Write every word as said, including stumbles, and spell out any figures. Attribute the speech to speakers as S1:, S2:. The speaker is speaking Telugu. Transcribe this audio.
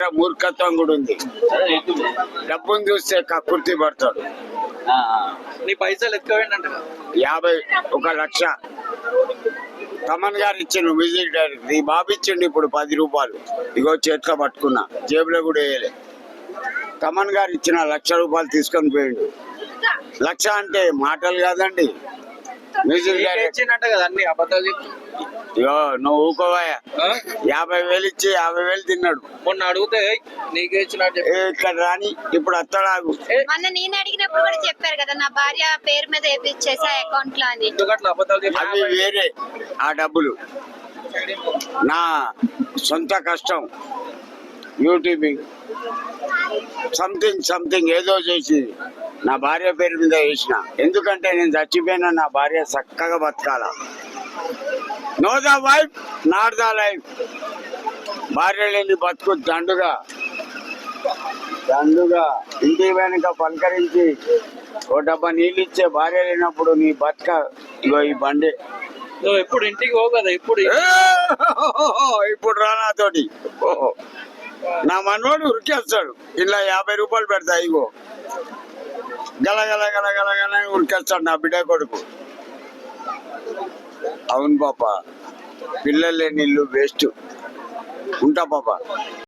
S1: మూర్ఖత్వం కూడా ఉంది. డబ్బును చూస్తే కక్కుర్తి పడతాడు.
S2: నీ పైసలు ఎక్కువేంటంట
S1: యాభై ఒక లక్ష తమన్ గారు ఇచ్చిండు మ్యూజిక్ డైరెక్టర్. ఈ బాబు ఇచ్చిండు ఇప్పుడు పది రూపాయలు. ఇగో చేతిలో పట్టుకున్నా, జేబులో కూడా వేయలే. తమన్ గారు ఇచ్చిన లక్ష రూపాయలు తీసుకొని పోయిండు. లక్ష అంటే మాటలు కాదండి. మ్యూజిక్
S2: ఇచ్చినట్ట కదా అన్ని అబద్ధాలు చెప్పి.
S1: ఇగో నువ్వు ఊకోవాయా, యాభై వేలు ఇచ్చి యాభై వేలు తిన్నాడు.
S2: మొన్న అడిగితే నీకే ఇచ్చినట్టు
S1: ఇక్కడ రాని ఇప్పుడు అత్తడాగు.
S3: మొన్న నేను అడిగినప్పుడు కూడా చెప్పారు కదా నా భార్య పేరు మీద వేపించేసా అకౌంట్ లో అని.
S2: ఎందుకట్లా అబద్ధాలు చెప్పి?
S1: అవి వేరే, ఆ డబ్బులు నా సొంత కష్టం. యూట్యూబింగ్ సంథింగ్ సంథింగ్ ఏదో చేసి నా భార్య పేరు మీద వేసిన. ఎందుకంటే నేను చచ్చిపోయినా నా భార్య చక్కగా బతకాల. No the wife not the life. భార్య లేని బతుకు దండుగా దండుగా ఇంటి వెనుక పలకరించి ఓ డబ్బా నీళ్ళు ఇచ్చే భార్య లేనప్పుడు నీ బతుక ఇగో ఈ బండి.
S2: నువ్వు ఎప్పుడు ఇంటికి పోవు కదా, ఇప్పుడు
S1: ఇప్పుడు రానాతోటి నా మనోడు ఉరికేస్తాడు. ఇలా యాభై రూపాయలు పెడతా, ఇగో గల గల గల గల గల ఉరికేస్తాడు నా బిడ్డ కొడుకు. అవును పాప, పిల్లలు లేని ఇల్లు వేస్ట్. ఉంటా పాప.